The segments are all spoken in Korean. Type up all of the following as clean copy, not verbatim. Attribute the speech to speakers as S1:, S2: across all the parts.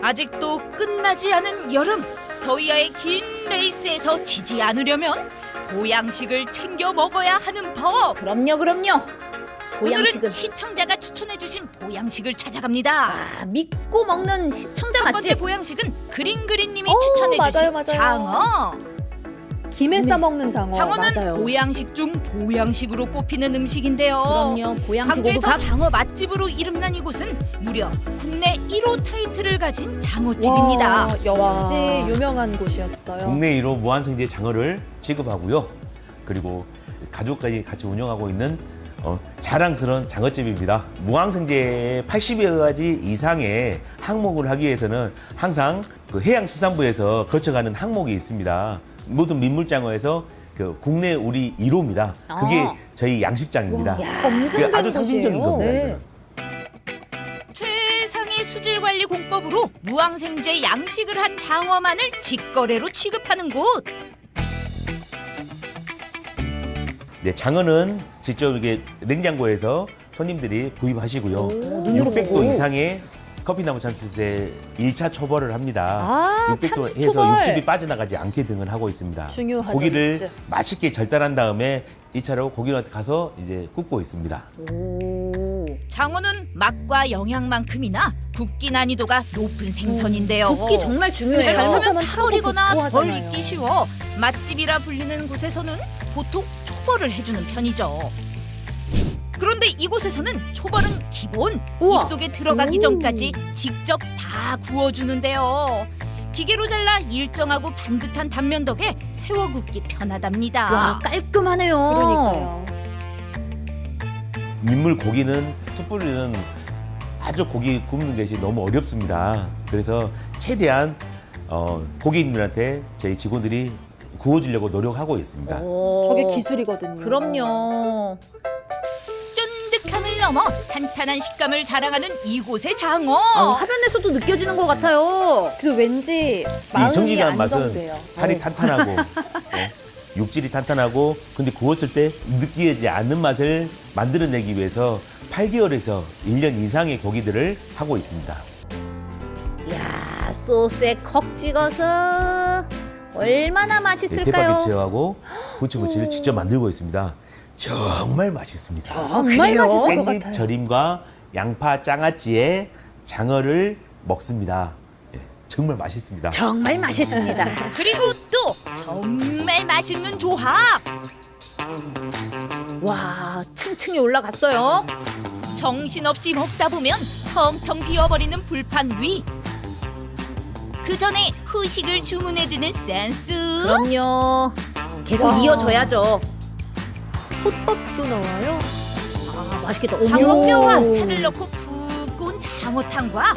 S1: 아직도 끝나지 않은 여름. 더위와의 긴 레이스에서 지지 않으려면 보양식을 챙겨 먹어야 하는 법.
S2: 그럼요. 보양식은
S1: 오늘은 시청자가 추천해주신 보양식을 찾아갑니다.
S2: 믿고 먹는 시청자
S1: 첫 번째
S2: 맛집.
S1: 보양식은 그린그린님이
S3: 오,
S1: 추천해주신
S3: 맞아요.
S1: 장어.
S3: 김에 싸먹는 장어.
S1: 장어는
S2: 맞아요.
S1: 보양식 중 보양식으로 꼽히는 음식인데요.
S2: 그럼요. 보양식
S1: 광주에서
S2: 오브밥.
S1: 장어 맛집으로 이름난 이곳은 무려 국내 1호 타이틀을 가진 장어집입니다.
S3: 와, 역시
S2: 와.
S3: 유명한 곳이었어요.
S4: 국내 1호 무한생제 장어를 취급하고요. 그리고 가족까지 같이 운영하고 있는 자랑스러운 장어집입니다. 무항생제 80여 가지 이상의 항목을 하기 위해서는 항상 그 해양수산부에서 거쳐가는 항목이 있습니다. 모든 민물장어에서 그 국내 우리 1호입니다. 그게 저희 양식장입니다.
S3: 검증된
S4: 그게 아주 상징적인
S3: 곳이에요.
S4: 겁니다.
S3: 네.
S4: 이거는.
S1: 최상의 수질 관리 공법으로 무항생제 양식을 한 장어만을 직거래로 취급하는 곳.
S4: 네, 장어는 직접 이게 냉장고에서 손님들이 구입하시고요.
S2: 눈으로
S4: 600도
S2: 보고.
S4: 이상의 커피나무 참숯에 1차 초벌을 합니다.
S2: 아,
S4: 600도
S2: 참숯
S4: 해서
S2: 초벌.
S4: 육즙이 빠져나가지 않게 등을 하고 있습니다.
S3: 중요하죠,
S4: 고기를
S3: 육즙.
S4: 맛있게 절단한 다음에 2차로 고기로 가서 이제 굽고 있습니다.
S2: 오.
S1: 장어는 맛과 영양만큼이나 굽기 난이도가 높은 생선인데요.
S2: 굽기 정말 중요해요.
S1: 잘못하면
S3: 잘못하면
S1: 타버리거나
S3: 타고 굽고
S1: 덜
S3: 하잖아요.
S1: 익기 쉬워 맛집이라 불리는 곳에서는 보통 초벌을 해주는 편이죠. 그런데 이곳에서는 초벌은 기본,
S2: 우와.
S1: 입속에 들어가기
S2: 오.
S1: 전까지 직접 다 구워주는데요. 기계로 잘라 일정하고 반듯한 단면 덕에 세워 굽기 편하답니다.
S2: 와, 깔끔하네요.
S3: 그러니까요.
S4: 민물 고기는 숯불리는 아주 고기 굽는 것이 너무 어렵습니다. 그래서 최대한 고객님들한테 저희 직원들이 구워주려고 노력하고 있습니다.
S2: 오.
S3: 저게 기술이거든요.
S2: 그럼요.
S1: 쫀득함을 넘어 탄탄한 식감을 자랑하는 이곳의 장어.
S2: 화면에서도 느껴지는 것 같아요.
S3: 그리고 왠지
S4: 이
S3: 마음이
S4: 정직한 맛은
S3: 안정돼요.
S4: 살이 탄탄하고 육질이 탄탄하고 근데 구웠을 때 느끼지 않는 맛을 만들어내기 위해서 8개월에서 1년 이상의 고기들을 하고 있습니다.
S2: 이야, 소스에 콕 찍어서 얼마나
S4: 네,
S2: 맛있을까요?
S4: 대파김치하고 부추무침을 직접 만들고 있습니다. 정말 맛있습니다.
S3: 정말
S2: 그래요?
S3: 맛있을 것
S4: 깻잎
S3: 같아요.
S4: 절임과 양파 장아찌에 장어를 먹습니다. 예, 정말 맛있습니다.
S2: 정말 맛있습니다.
S1: 그리고 또 정말 맛있는 조합.
S2: 와, 층층이 올라갔어요.
S1: 정신없이 먹다 보면 텅텅 비어버리는 불판 위. 그 전에 후식을 주문해두는 센스.
S2: 그럼요. 계속
S3: 와.
S2: 이어져야죠.
S3: 솥밥도 나와요.
S2: 아, 맛있겠다. 어머.
S1: 장어뼈와 살을 넣고 푹 구운 장어탕과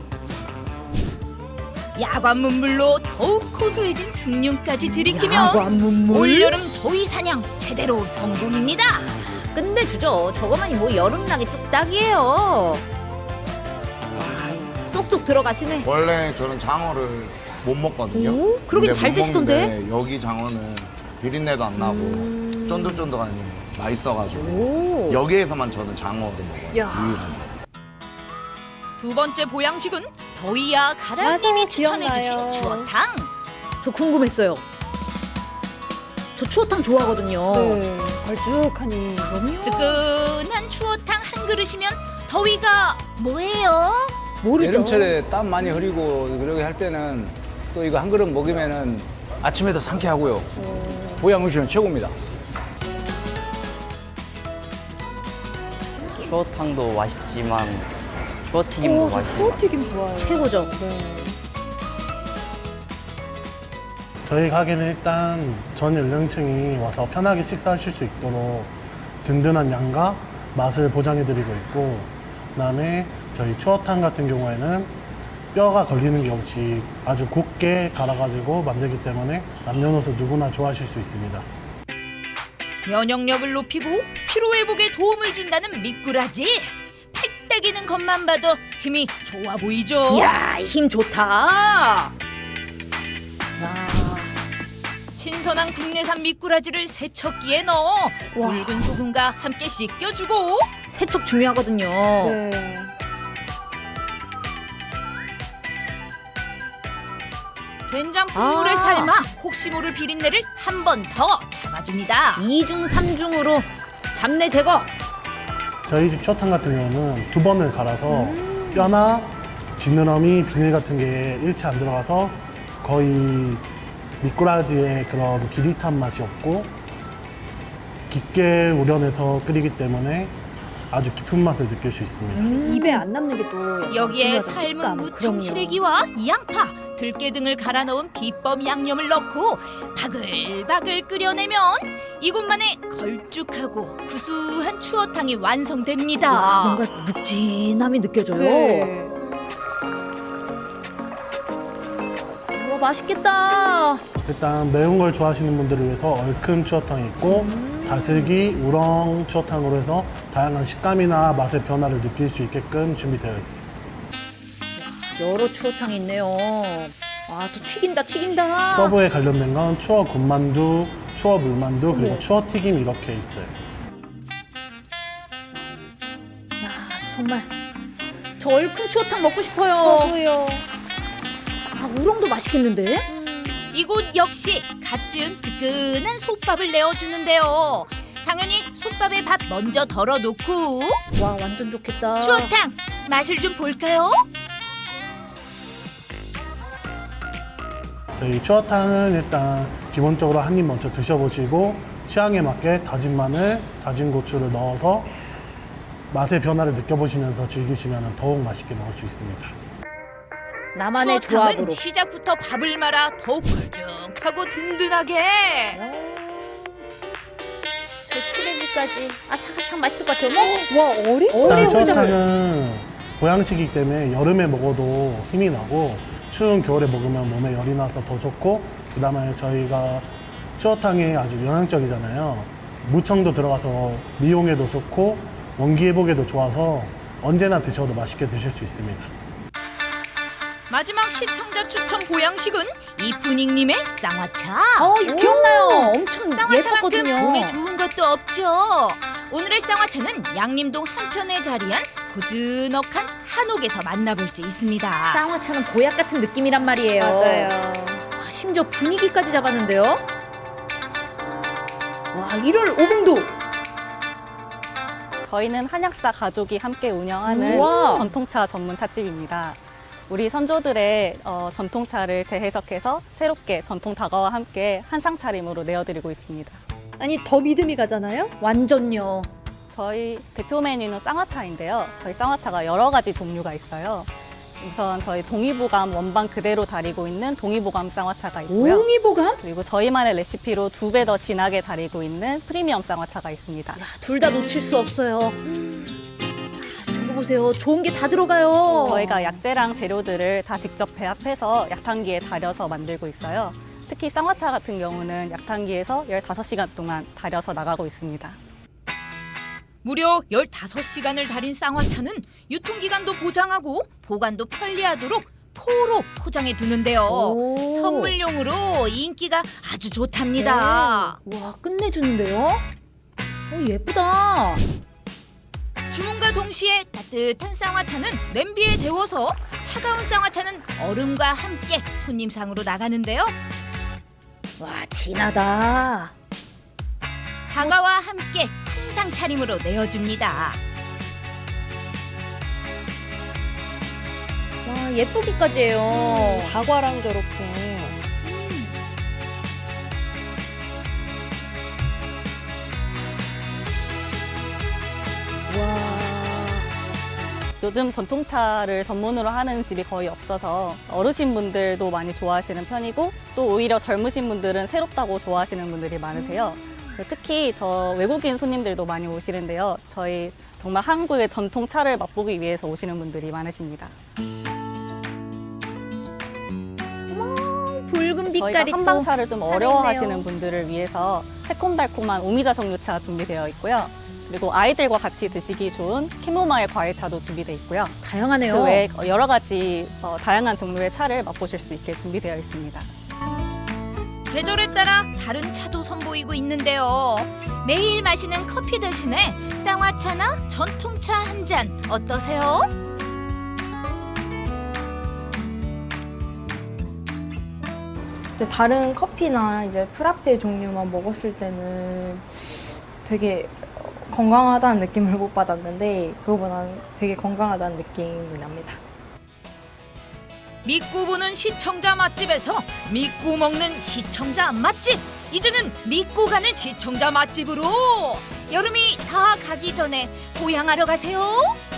S1: 야관 문물로 더욱 고소해진 숭늉까지 들이키면
S2: 야관 문물?
S1: 올여름 더위 사냥 제대로 성공입니다.
S2: 끝내주죠. 저거만이 뭐 여름나기 뚝딱이에요. 와, 쏙쏙 들어가시네.
S5: 원래 저는 장어를 못 먹거든요.
S2: 오, 그러긴
S5: 근데
S2: 잘
S5: 못
S2: 드시던데?
S5: 먹는데 여기 장어는 비린내도 안 나고 쫀득쫀득하니 맛있어가지고
S2: 오.
S5: 여기에서만 저는 장어를 먹어요.
S3: 야.
S5: 유일하게.
S1: 두 번째 보양식은 더위야 가라님이
S3: 맞아요,
S1: 추천해주신
S3: 기억나요.
S1: 추어탕.
S2: 저 궁금했어요. 저 추어탕 좋아하거든요.
S3: 네. 걸쭉하니. 그럼요.
S1: 뜨끈한 추어탕 한 그릇이면 더위가 뭐예요?
S2: 모르죠.
S6: 여름철에 땀 많이 흐리고 그러게 할 때는 또 이거 한 그릇 먹으면은 아침에도 상쾌하고요. 보양 음식은 최고입니다.
S7: 추어탕도 맛있지만 추어튀김도
S3: 저
S7: 맛있어요.
S3: 추어튀김 좋아해요.
S2: 최고죠.
S3: 네.
S8: 저희 가게는 일단 전 연령층이 와서 편하게 식사하실 수 있도록 든든한 양과 맛을 보장해드리고 있고, 그다음에 저희 추어탕 같은 경우에는 뼈가 걸리는 게 없이 아주 곱게 갈아가지고 만들기 때문에 남녀노소 누구나 좋아하실 수 있습니다.
S1: 면역력을 높이고 피로 회복에 도움을 준다는 미꾸라지. 팔 떼기는 것만 봐도 힘이 좋아 보이죠?
S2: 이야, 힘 좋다. 와.
S1: 신선한 국내산 미꾸라지를 세척기에 넣어 굵은 소금과 함께 씻겨주고
S2: 세척 중요하거든요.
S3: 네.
S1: 된장 국물에
S2: 아.
S1: 삶아 혹시 모를 비린내를 한 번 더 잡아줍니다.
S2: 2중 3중으로 잡내 제거.
S8: 저희 집 추어탕 같은 경우는 2번을 갈아서 뼈나 지느러미, 비늘 같은 게 일체 안 들어가서 거의 미꾸라지의 그런 기릿한 맛이 없고 깊게 우려내서 끓이기 때문에 아주 깊은 맛을 느낄 수 있습니다.
S3: 입에 안 남는 게 또
S1: 여기에 삶은 무청 시래기와 양파, 들깨 등을 갈아 넣은 비법 양념을 넣고 바글바글 끓여내면 이곳만의 걸쭉하고 구수한 추어탕이 완성됩니다.
S2: 와, 뭔가 묵진함이 느껴져요.
S3: 네.
S2: 와, 맛있겠다.
S8: 일단 매운 걸 좋아하시는 분들을 위해서 얼큰 추어탕이 있고 다슬기, 우렁 추어탕으로 해서 다양한 식감이나 맛의 변화를 느낄 수 있게끔 준비되어 있습니다.
S2: 여러 추어탕이 있네요. 와, 또 튀긴다.
S8: 서브에 관련된 건 추어 군만두, 추어 물만두, 그리고
S3: 어머.
S8: 추어 튀김 이렇게 있어요.
S2: 야, 정말 저 얼큰 추어탕 먹고 싶어요.
S3: 저도요.
S2: 아, 우렁도 맛있겠는데?
S1: 이곳 역시 갓 지은 뜨끈한 솥밥을 내어주는데요. 당연히 솥밥에 밥 먼저 덜어놓고
S2: 와, 완전 좋겠다.
S1: 추어탕 맛을 좀 볼까요?
S8: 저희 추어탕은 일단 기본적으로 한 입 먼저 드셔보시고 취향에 맞게 다진 마늘, 다진 고추를 넣어서 맛의 변화를 느껴보시면서 즐기시면 더욱 맛있게 먹을 수 있습니다.
S2: 나만의
S1: 추어탕은
S2: 조합으로.
S1: 시작부터 밥을 말아 더욱 걸쭉하고 든든하게.
S2: 저 시래기까지 아삭아삭 맛있을 것 같아요. 어머,
S3: 와, 어리
S8: 일단
S3: 혼자를.
S8: 추어탕은 보양식이기 때문에 여름에 먹어도 힘이 나고 추운 겨울에 먹으면 몸에 열이 나서 더 좋고 그다음에 저희가 추어탕이 아주 영양적이잖아요. 무청도 들어가서 미용에도 좋고 원기 회복에도 좋아서 언제나 드셔도 맛있게 드실 수 있습니다.
S1: 마지막 시청자 추천 보양식은 이쁜잉님의 쌍화차.
S2: 이거 기억나요. 엄청
S1: 쌍화차만큼
S2: 예뻤거든요.
S1: 몸에 좋은 것도 없죠. 오늘의 쌍화차는 양림동 한편에 자리한 고즈넉한 한옥에서 만나볼 수 있습니다.
S2: 쌍화차는 보약 같은 느낌이란 말이에요.
S3: 맞아요.
S2: 와, 심지어 분위기까지 잡았는데요. 와, 1월 5봉도.
S9: 저희는 한약사 가족이 함께 운영하는
S2: 우와.
S9: 전통차 전문 찻집입니다. 우리 선조들의 전통차를 재해석해서 새롭게 전통 다과와 함께 한상 차림으로 내어드리고 있습니다.
S3: 아니, 더 믿음이 가잖아요?
S2: 완전요.
S9: 저희 대표 메뉴는 쌍화차인데요. 저희 쌍화차가 여러 가지 종류가 있어요. 우선 저희 동의보감 원반 그대로 다리고 있는 동의보감 쌍화차가 있고요.
S2: 옹이보감?
S9: 그리고 저희만의 레시피로 2배 더 진하게 다리고 있는 프리미엄 쌍화차가 있습니다.
S2: 둘 다 놓칠 수 없어요. 저거 보세요. 좋은 게 다 들어가요.
S9: 저희가 약재랑 재료들을 다 직접 배합해서 약탕기에 달여서 만들고 있어요. 특히 쌍화차 같은 경우는 약탕기에서 15시간 동안 달여서 나가고 있습니다.
S1: 무려 15시간을 달인 쌍화차는 유통기간도 보장하고 보관도 편리하도록 포로 포장해 두는데요.
S2: 오.
S1: 선물용으로 인기가 아주 좋답니다.
S2: 와, 끝내주는데요. 예쁘다.
S1: 주문과 동시에 따뜻한 쌍화차는 냄비에 데워서 차가운 쌍화차는 얼음과 함께 손님상으로 나가는데요.
S2: 와, 진하다.
S1: 다과와 함께 한상 차림으로 내어줍니다.
S2: 와, 예쁘기까지 해요.
S3: 다과랑 저렇게.
S9: 요즘 전통차를 전문으로 하는 집이 거의 없어서 어르신분들도 많이 좋아하시는 편이고 또 오히려 젊으신 분들은 새롭다고 좋아하시는 분들이 많으세요. 특히 저 외국인 손님들도 많이 오시는데요. 저희 정말 한국의 전통차를 맛보기 위해서 오시는 분들이 많으십니다.
S2: 붉은 빛깔이
S9: 저희가
S2: 또
S9: 한방차를 좀
S2: 살아있네요.
S9: 어려워하시는 분들을 위해서 새콤달콤한 오미자 정류차 준비되어 있고요. 그리고 아이들과 같이 드시기 좋은 캐모마일 과일차도 준비되어 있고요.
S2: 다양하네요.
S9: 그 외에 여러 가지 다양한 종류의 차를 맛보실 수 있게 준비되어 있습니다.
S1: 계절에 따라 다른 차도 선보이고 있는데요. 매일 마시는 커피 대신에 쌍화차나 전통차 한 잔 어떠세요?
S10: 이제 다른 커피나 이제 프라페 종류만 먹었을 때는 되게 건강하다는 느낌을 못 받았는데 그거보다는 되게 건강하다는 느낌이 납니다.
S1: 믿고 보는 시청자 맛집에서 믿고 먹는 시청자 맛집. 이제는 믿고 가는 시청자 맛집으로 여름이 다 가기 전에 보양하러 가세요.